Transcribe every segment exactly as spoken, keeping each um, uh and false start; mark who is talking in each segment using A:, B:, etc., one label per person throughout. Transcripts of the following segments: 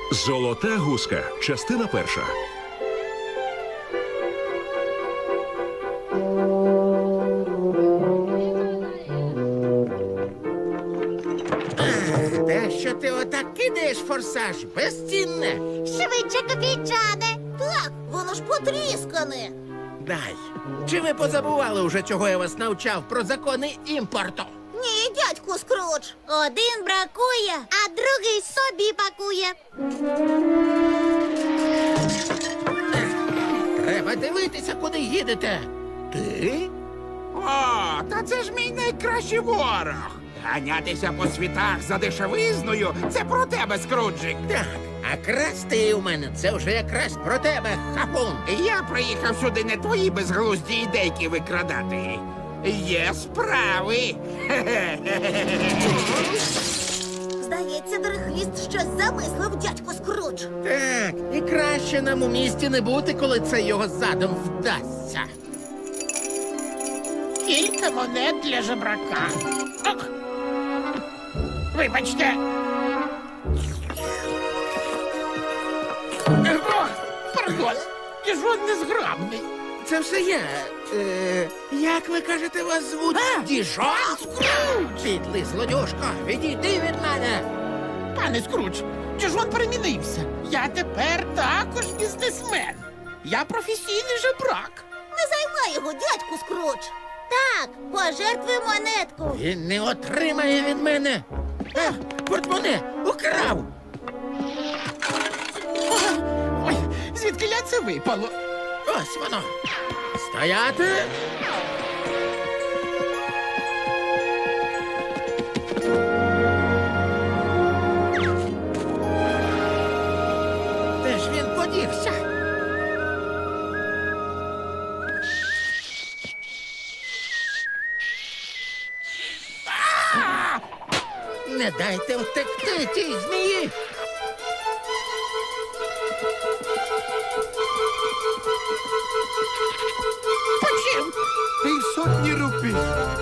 A: Золота гуска. Частина перша.
B: Те, що ти отак кидаєш форсаж, безцінне.
C: Швидше, копійчане. Так, воно ж потріскане.
B: Дай. Чи ви позабували уже, чого я вас навчав про закони імпорту?
C: Ні, дядьку Скрудж. Один бракує, а другий собі пакує.
B: Треба дивитися, куди їдете. Ти?
D: О, та це ж мій найкращий ворог. Ганятися по світах за дешевизною – це про тебе, Скруджик.
B: Так, а красти у мене це вже якраз про тебе, хапун.
D: Я приїхав сюди не твої безглузді ідейки викрадати. Є справи.
C: Здається, Дерехвіст щось замислив, дядьку Скрудж.
B: Так, і краще нам у місті не бути, коли це його задум вдасться.
E: Кілька монет для жебрака. Ок. Вибачте. О, пардон, Діжон незграбний.
B: Це все я. Е, як ви кажете, вас звуть? Діжон? Підлий злодюшко, відійди від мене.
E: Пане Скрудж, Діжон перемінився. Я тепер також бізнесмен. Я професійний жебрак.
C: Не займай його, дядьку Скрудж. Так, пожертвуй монетку.
B: Він не отримає від мене. А, портмоне украв.
E: Ой, звідкиля це випало?
B: Ось воно. Стояти. Де ж він подівся? А! Не дайте втекти тій змії.
E: Почим?
D: Півсотні рупій.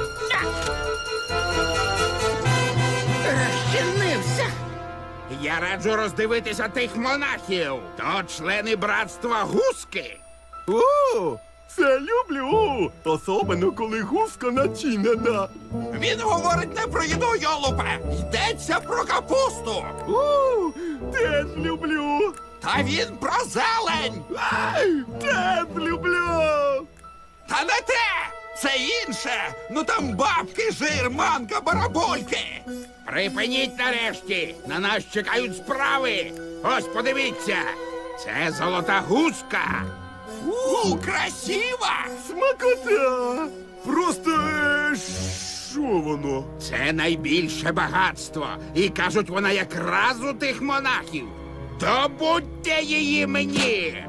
B: Розчинився.
D: Я раджу роздивитися тих монахів. То члени братства Гуски.
F: О, це люблю! Особливо, коли гуска начинена.
D: Він говорить не про їду, йолупе. Йдеться про капусту.
F: У, теж люблю!
D: Та він про зелень.
F: Ай, теж люблю!
D: Та не те! Це інше! Ну там бабки, жир, манка, барабольки! Припиніть нарешті! На нас чекають справи! Ось подивіться! Це золота гуска! У, красива!
F: Смакота! Просто е, що воно?
D: Це найбільше багатство! І кажуть, вона якраз у тих монахів! Добудьте її мені!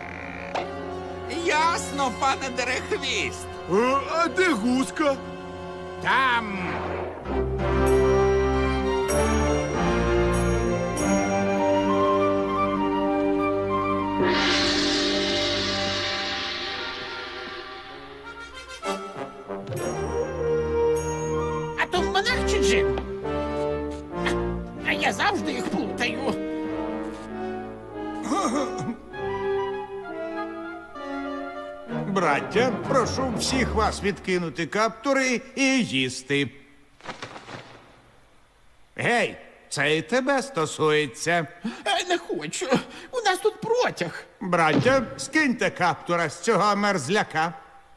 D: Ясно, пане Дерехвіст!
F: А, а де гуска?
D: Там!
E: А то монах чи джин? А, а я завжди їх плутаю.
G: Браття, прошу всіх вас відкинути каптури і їсти. Гей, це і тебе стосується.
E: Е, Не хочу. У нас тут протяг.
G: Браття, скиньте каптура з цього мерзляка.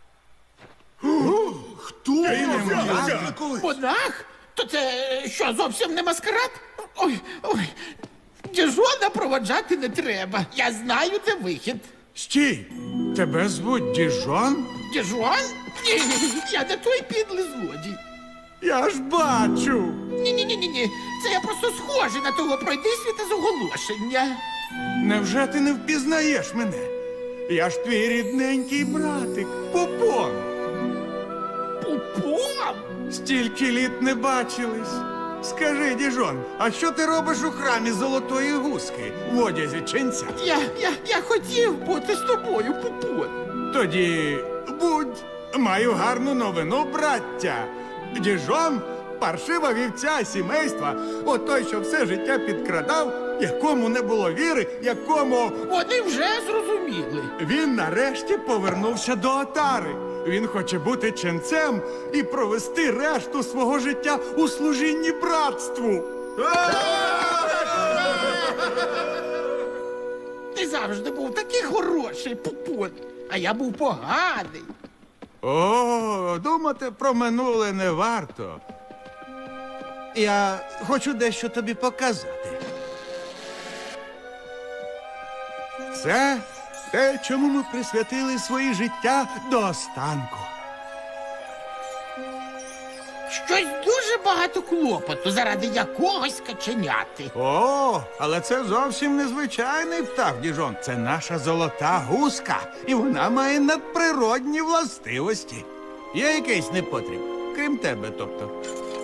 F: Хто?
E: Монах? То це що, зовсім не маскарад? Ой, ой. Діжона проводжати не треба. Я знаю, де вихід.
G: Стій! Тебе звуть Діжон?
E: Діжон? Ні, я не той підлий злодій.
G: Я ж бачу.
E: Ні-ні-ні-ні. Це я просто схожий на того пройдисвіта з оголошення.
G: Невже ти не впізнаєш мене? Я ж твій рідненький братик, Попон.
E: Пупом?
G: Стільки літ не бачились. Скажи, Діжон, а що ти робиш у храмі Золотої Гуски в одязі ченця?
E: Я, я, я хотів бути з тобою, Пупон.
G: Тоді будь, маю гарну новину, браття. Діжон паршива вівця сімейства, отой, що все життя підкрадав якому не було віри, якому
E: Вони вже зрозуміли.
G: він нарешті повернувся до отари. Він хоче бути ченцем і провести решту свого життя у служінні братству.
E: Ти завжди був такий хороший, Пупон, а я був поганий.
G: О, думати про минуле не варто. Я хочу дещо тобі показати. Це те, чому ми присвятили своє життя до останку.
E: Щось дуже багато клопоту заради якогось каченяти.
G: О, але це зовсім незвичайний птах, Діжон. Це наша золота гуска, і вона має надприродні властивості. Є якийсь непотріб, крім тебе, тобто.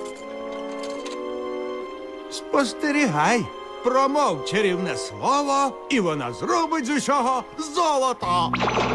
G: Спостерігай, промов чарівне слово, і вона зробить з усього золото.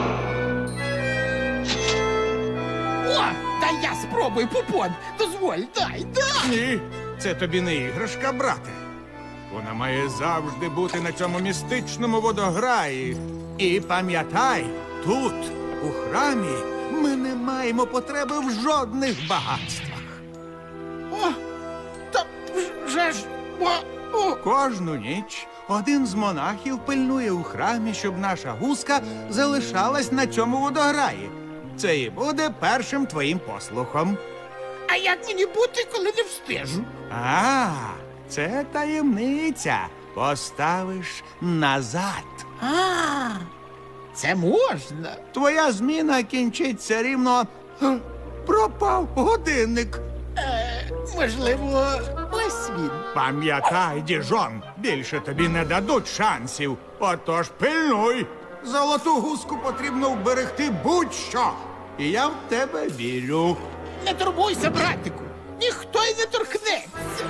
E: О, дай я спробую, Пупон. Дозволь, дай, дай.
G: Ні, це тобі не іграшка, брате. Вона має завжди бути на цьому містичному водограї. І пам'ятай, тут, у храмі, ми не маємо потреби в жодних багатствах.
E: О, та вже ж, о, о.
G: Кожну ніч один з монахів пильнує у храмі, щоб наша гуска залишалась на цьому водограї. Це і буде першим твоїм послухом.
E: А як мені бути, коли не встежу?
G: А, це таємниця. Поставиш назад.
E: А, це можна.
G: Твоя зміна кінчиться рівно. Х, пропав годинник.
E: Е, можливо, ось він.
G: Пам'ятай, Діжон, більше тобі не дадуть шансів. Отож пильнуй. Золоту гуску потрібно вберегти будь-що. І я в тебе вірю.
E: Не турбуйся, братику. Ніхто й не торкнеться.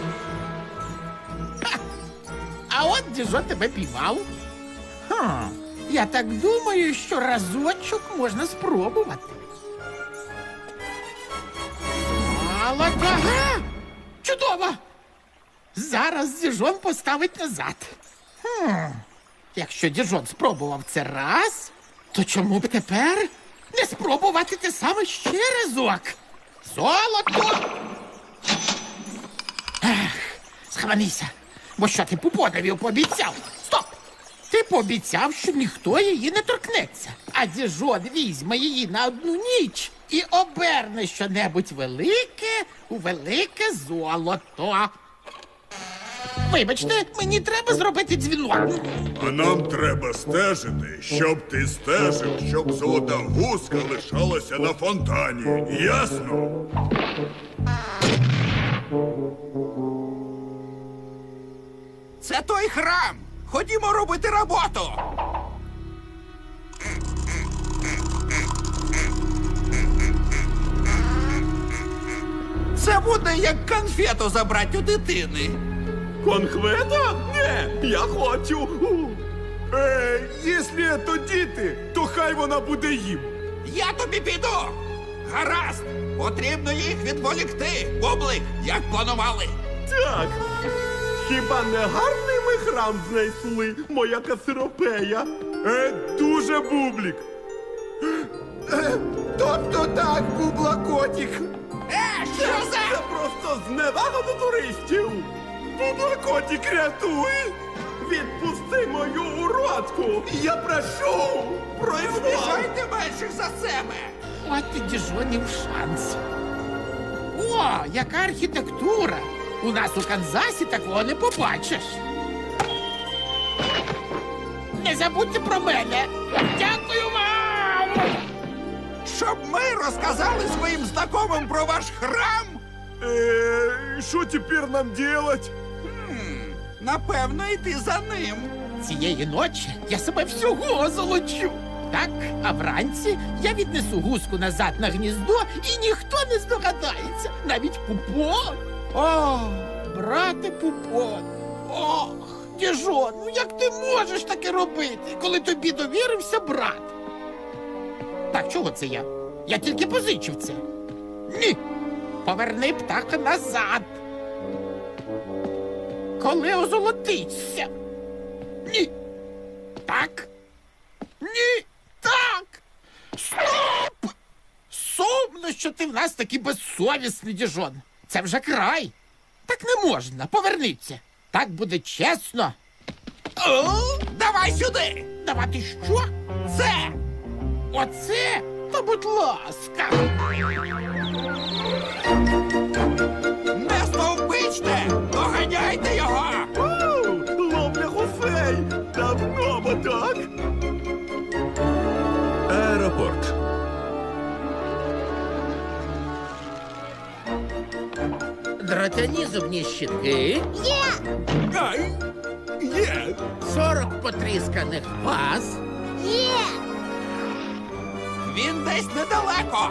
E: Ха. А от Діжон тебе піймав. Хм. Я так думаю, що разочок можна спробувати. Молоко. Ага! Чудово! Зараз Діжон поставить назад. Хм. Якщо Діжон спробував це раз, то чому б тепер не спробувати те саме ще разок? Золото! Ех, схаменися, бо що ти Пупонові пообіцяв? Стоп! Ти пообіцяв, що ніхто її не торкнеться, а Діжон візьме її на одну ніч і оберне щонебудь велике у велике золото. Вибачте, мені треба зробити дзвінок.
F: А нам треба стежити, щоб ти стежив, щоб золота гуска лишалася на фонтані. Ясно?
D: Це той храм. Ходімо робити роботу. Це буде як конфету забрати у дитини.
F: Конхвета? Ні, я хочу. Е, якщо то діти, то хай вона буде їм.
D: Я тобі піду. Гаразд. Потрібно їх відволікти. Бублик, як планували.
F: Так. Хіба не гарний ми храм знайшли, моя касиропея? Е, дуже бублік. Е, тобто так, бублакотік.
D: Е, що
F: Це
D: за?
F: просто зневага до туристів. Бублакотік, рятуй! Відпусти мою уродку! Я прошу! Прошу!
D: Біжайте менших за себе.
E: От і Діжонів шанс. О, яка архітектура! У нас у Канзасі такого не побачиш. Не забудьте про мене. Дякую вам!
D: Щоб ми розказали своїм знайомим про ваш храм?
F: Е, що тепер нам делать?
D: Напевно, йти за ним.
E: Цієї ночі я себе всього озолочу. Так, а вранці я віднесу гуску назад на гніздо, і ніхто не здогадається, навіть Пупон. О, брате Пупон. Ох, Діжон, ну як ти можеш таке робити, коли тобі довірився брат? Так, чого це я? Я тільки позичив це. Ні. Поверни птаха назад. коли озолотиться. Ні. Так. Ні. Так. Стоп! Сумно, що ти в нас такий безсовісний, Діжон. Це вже край. Так не можна. Повернися. Так буде чесно. О,
D: Давай сюди!
E: давати що?
D: Це!
E: Оце? Та будь ласка.
D: Не стовпичте! Доганяйте його!
F: Ловля гусей! Давно бо так!
A: Аеропорт.
B: Дротяні зубні щітки,
C: Є!
F: Ай! Є!
B: сорок потрісканих ваз,
C: Є!
D: Він десь недалеко!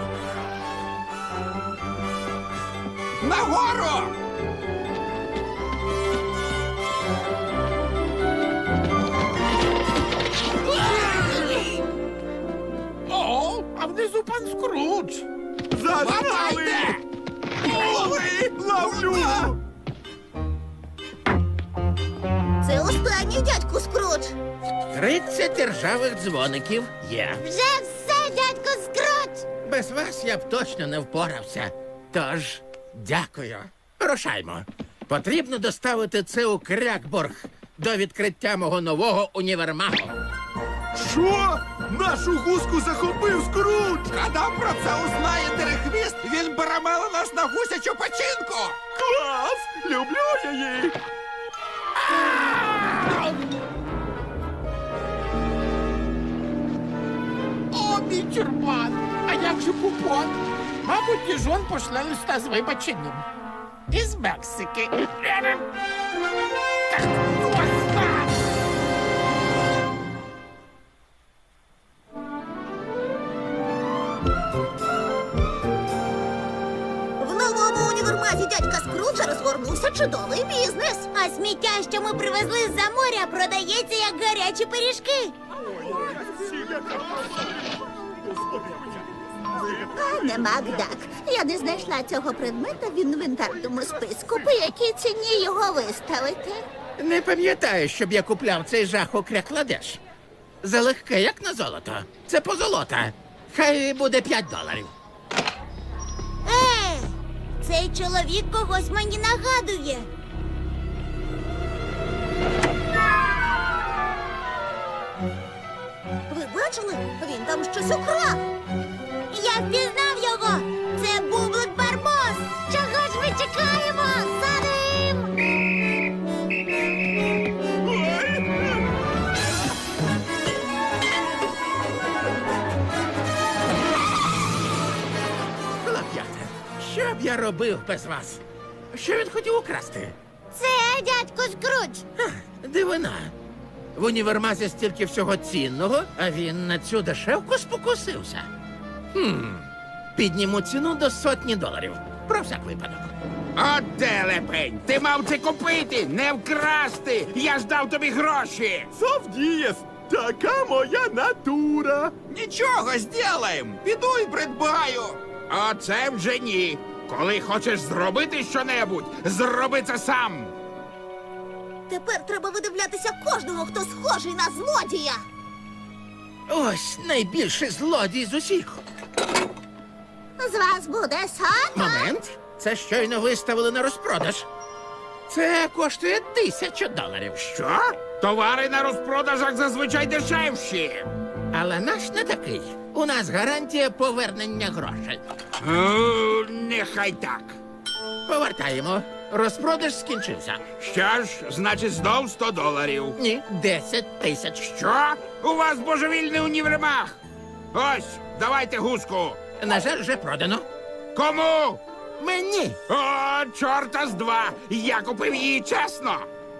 D: Нагору!
E: О, а внизу пан Скрудж.
D: Хватайте!
F: Лови! Ловлю!
C: Це останній, дядьку Скрудж.
B: тридцять ржавих дзвоників є.
C: Вже все, дядьку Скрудж.
B: Без вас я б точно не впорався. Тож, дякую. Рушаймо. Потрібно доставити це у Крякборг до відкриття мого нового універмагу.
F: Що? Нашу гуску захопив Скрудж!
D: Коли про це узнає Дерехвіст, він перемеле нас на гусячу печінку!
F: Клас! Люблю її!
E: О, мій тюрбан. А як же Пупон? Мабуть, Діжон пошле листа з вибаченням. Із Мексики. Так, класно!
C: В новому універмазі дядька Скруджа розгорнувся чудовий бізнес. А сміття, що ми привезли з-за моря, продається як гарячі пиріжки. Пане Макдак, я не знайшла цього предмета в інвентарному списку. По якій ціні його виставити?
B: Не пам'ятаю, щоб я купляв цей жах у Крякладеш. Залегке, як на золото. Це позолота. Хай буде п'ять доларів.
C: Е, цей чоловік когось мені нагадує. Ви бачили? Він там щось украв. Я впізнав його. Це Бублик Барбос. Чого ж ми чекаємо? За ним!
B: Хлоп'ята, що б я робив без вас? Що він хотів украсти?
C: Це дядько Скрудж.
B: Ха, дивина. В універмазі стільки всього цінного, а він на цю дешевку спокусився. Хм. Підніму ціну до сотні доларів. Про всяк випадок.
D: От телепень! Ти мав це купити, не вкрасти! Я ж дав тобі гроші!
F: Совдієс! Така моя натура!
D: Нічого, зділаєм! Піду і придбаю! А це вже ні. Коли хочеш зробити щонебудь, зроби це сам!
C: Тепер треба видивлятися кожного, хто схожий на злодія.
B: Ось найбільший злодій з усіх.
C: З вас буде сотня.
B: Момент. Це щойно виставили на розпродаж. Це коштує тисячу доларів.
D: Що? Товари на розпродажах зазвичай дешевші.
B: Але наш не такий. У нас гарантія повернення грошей.
D: О, нехай так.
B: Повертаємо. Розпродаж скінчився.
D: Що ж, значить, знов сто доларів.
B: Ні, десять тисяч.
D: Що? У вас божевільний універмаг. Ось, давайте гуску.
B: На жаль, вже продано.
D: Кому?
B: Мені.
D: О, чорта з два. Я купив її чесно.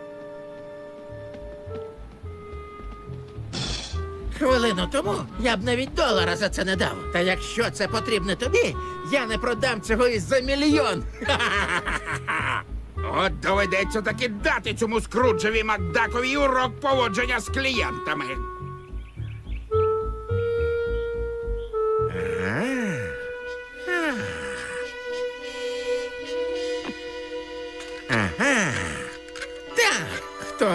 B: Хвилину тому я б навіть долара за це не дав. Та якщо це потрібно тобі, я не продам цього і за мільйон. Ха-ха-ха-ха-ха.
D: От доведеться таки дати цьому Скруджеві Макдакові урок поводження з клієнтами.
B: Ага. Так.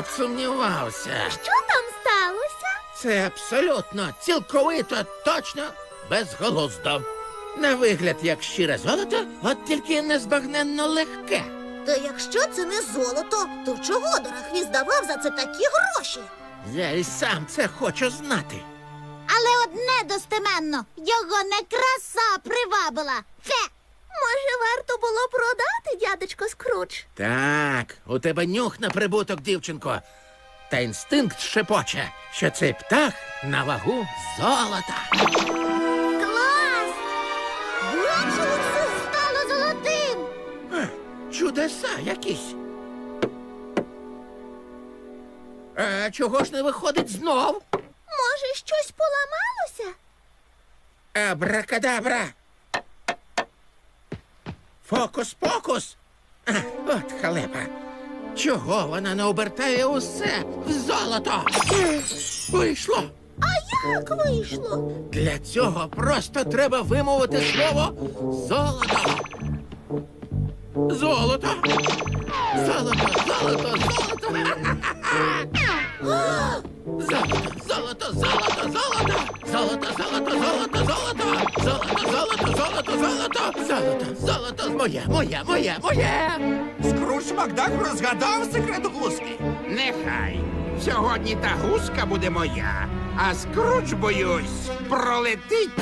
B: сумнівався.
C: Що там сталося?
B: Це абсолютно, цілковито, точно безголуздо. На вигляд, як щире золото, от тільки незбагненно легке.
C: Та якщо це не золото, то чого Дорохвіст давав за це такі гроші?
B: Я і сам це хочу знати.
C: Але одне достеменно, його не краса привабила. Це, може, варто було продати, дядечко Скрудж?
B: Так, у тебе нюх на прибуток, дівчинко. Та інстинкт шепоче, що цей птах на вагу золота.
C: Клас! Бачили, все стало золотим!
B: Е, Чудеса якісь. А чого ж не виходить знов?
C: Може, щось поламалося?
B: Абракадабра. Фокус-покус. А, от халепа. Чого вона не обертає усе в золото? Вийшло.
C: А як вийшло?
B: Для цього просто треба вимовити слово золото. Золото. Золото, золото, золото. Золото, золото, золото, золото. Золото, золото, золото, золото. Золото, золото, золото, золото. Золото, золото, моє, моє, моє, моє.
D: Скрудж Макдак розгадав секрет гуски. Нехай. Сьогодні та гуска буде моя, а Скрудж, боюсь, пролетить.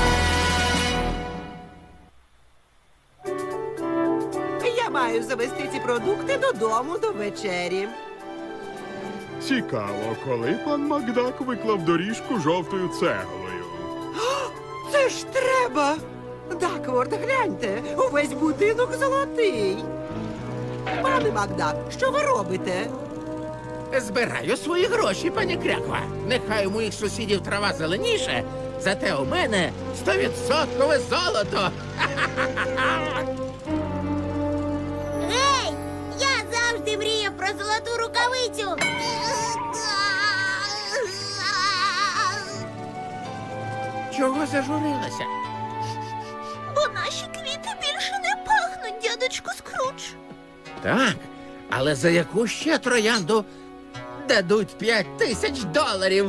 H: Я маю завести ці продукти додому до вечері.
F: Цікаво, коли пан Макдак виклав доріжку жовтою цеглою.
H: Це ж треба! Дакворд, гляньте, увесь будинок золотий. Пане Макдак, що ви робите?
B: Збираю свої гроші, пані Кряква. Нехай у моїх сусідів трава зеленіше, зате у мене стовідсоткове золото.
C: Гей! Я завжди мріяв про золоту рукавицю.
B: Чого зажурилася?
C: Бо наші квіти більше не пахнуть, дядечко Скрудж.
B: Так, але за яку ще троянду дадуть п'ять тисяч доларів?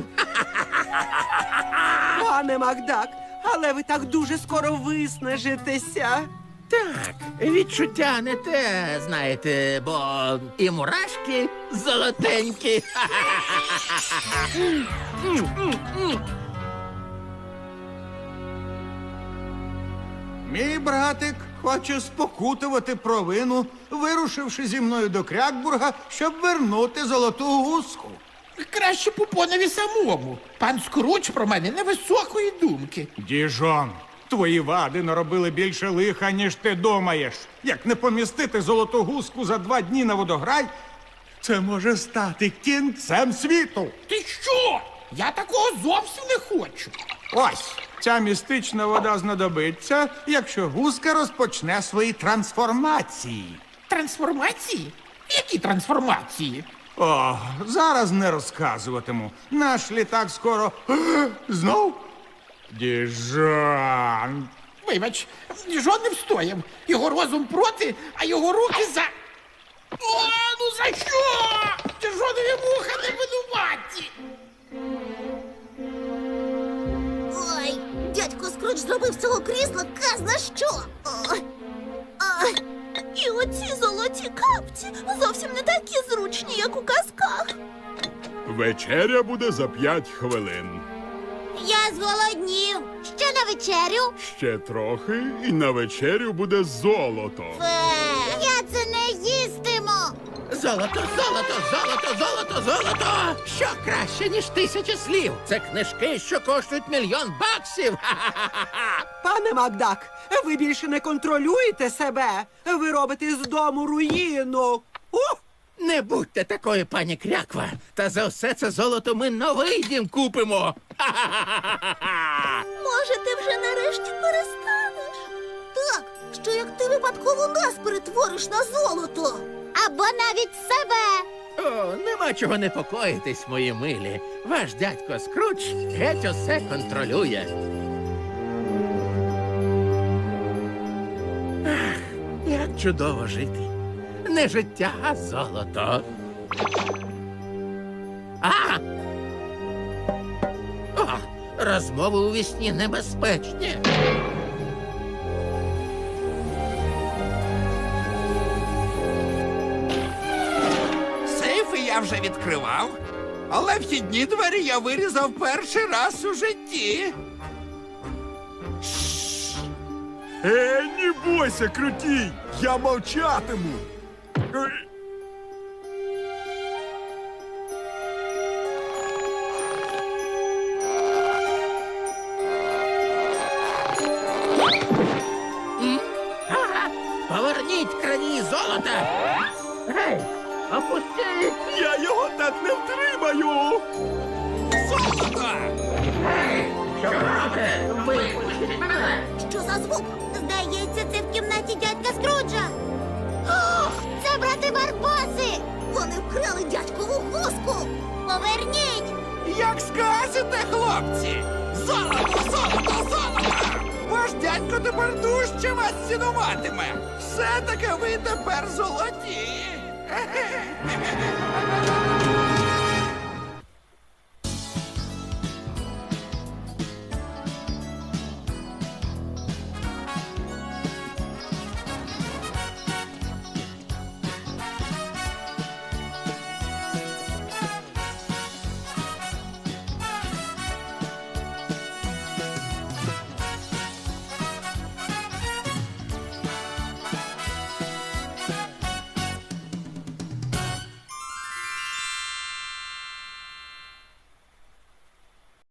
H: Пане Макдак, але ви так дуже скоро виснажитеся.
B: Так, відчуття не те, знаєте, бо і мурашки золотенькі.
G: Мій братик хоче спокутувати провину, вирушивши зі мною до Крякбурга, щоб вернути золоту гуску.
E: Краще Пупонові самому. Пан Скрудж про мене невисокої думки.
G: Діжон, твої вади наробили більше лиха, ніж ти думаєш. Як не помістити золоту гуску за два дні на водограй, це може стати кінцем світу.
E: Ти що? Я такого зовсім не хочу.
G: Ось, ця містична вода знадобиться, якщо гуска розпочне свої трансформації.
E: Трансформації? Які трансформації?
G: О, зараз не розказуватиму. Наш літак скоро знов. Діжон.
E: Вибач, Діжон не встояв. Його розум проти, а його руки за. О, ну за що? Діжонові вуха не винуваті.
C: Ой, дядько Скрудж зробив з цього крісла казна що. Ой. Ай. І оці золоті капці зовсім не такі зручні, як у казках.
F: Вечеря буде за п'ять хвилин.
C: Я зголоднів. Ще на вечерю?
F: Ще трохи, і на вечерю буде золото.
C: Фе, я це не їстиму.
B: Золото, золото, золото, золото, золото! Що краще, ніж тисяча слів? Це книжки, що коштують мільйон баксів. Ха-ха-ха-ха!
H: Пане Макдак, ви більше не контролюєте себе. Ви робите з дому руїну. Ух!
B: Не будьте такою, пані Кряква. Та за все це золото ми новий дім купимо. Ха-ха-ха-ха-ха!
C: Може, ти вже нарешті перестанеш? Так, що як ти випадково нас перетвориш на золото. Або навіть себе.
B: О, нема чого непокоїтись, мої милі. Ваш дядько Скрудж геть усе контролює. Ах, як чудово жити. Не життя, а золото. А! О, розмови у вісні небезпечні.
D: Сейфи я вже відкривав, але вхідні двері я вирізав перший раз у житті.
F: Е, не бойся, крутій! Я мовчатиму. Е,
B: Поверніть крані золота! Гей, опустіть!
F: Я його так не втримаю!
D: Золото!
B: Що робите? Випустіть мене!
C: Що за звук? Здається, це в кімнаті дядька Скруджа. О, це брати Барбоси! Вони вкрали дядькову гуску! Поверніть!
D: Як скажете, хлопці! Золото, золото, золото! Ваш дядько тепер дужче вас цінуватиме! Все-таки ви тепер золоті!